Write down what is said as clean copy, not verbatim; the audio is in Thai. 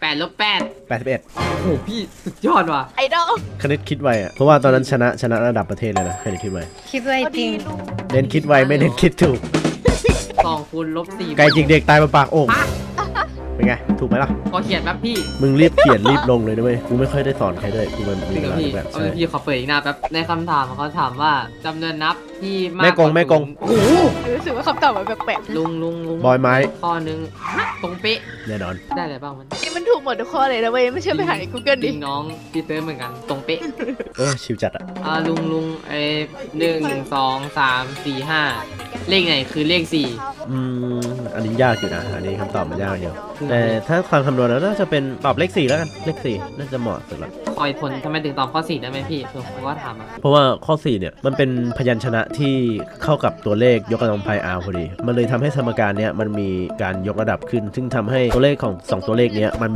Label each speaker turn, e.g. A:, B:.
A: 8
B: 81
A: โอ้โหพี่สุดยอดว่ะ
C: ไอดอล
B: คณิตคิดไวอ่ะเพราะว่าตอนนั้นชนะระดับประเทศเลยนะคณิตคิดไว
D: คิดไว้จริง
B: เน้นคิดไวไม่เน้นคิดถูก
A: 2 คูณ -4
B: ไก่จิกเด็กตายมาปากโอ่งเป็นไงถูกไหมล่ะ
A: ขอเขียนแป๊บพี่
B: มึงรีบเขียนรีบลงเลยนะเว้ยกูไม่ค่อยได้สอนใครด้วยกูมันมี
A: จริง
B: เว
A: เหรอ
B: ลา
A: พี่
B: แบบ
A: เอา
B: ใช่
A: เลยพี่ขอเปิดอีกหน้าแป๊บในคำถามเขาถามว่าจำนวนนับที่มาก
B: แม่กง
A: ว่า
B: แม่กง
A: โอ้โห
C: รู้สึกว่าคำตอบมันแปลก
A: ลุง
B: บอยไม้
A: ข้อนึงตรงเป๊ะ
B: แน่นอน
A: ได้อะไรบ้างมัน
C: ๆนี่มันถูกหมดทุกข้อเลยนะเว้ยไม่เชื่อไปหาใน Google
A: จ
C: ดิ
A: ริงน้องพี่เติร์เหมือนกันตรงเป๊ะ
B: ชิวจัดอ่ะ
A: ลุง1 2 3 4 5เลขไหนคือเลข
B: อันนี้ยากอยู่นะอันนี้คำตอบมันยากอยู่แต่ถ้าความคำนวณแล้วน่าจะเป็นตอบเลข 4แล้วกันเลข 4น่าจะเหมาะสุดละ
A: 4คอยผลทำไมถึงตอบข้อ 4ได้ไหมพี่ผมก็ถามอ่ะ
B: เพราะว่าข้อ4เนี่ยมันเป็นพยัญชนะที่เข้ากับตัวเลขยกกำลังพาย r พอดีมันเลยทำให้สมการเนี้ยมันมีการยกระดับขึ้นซึ่งทำให้ตัวเลขของ2ตัวเลขเนี้ยมัน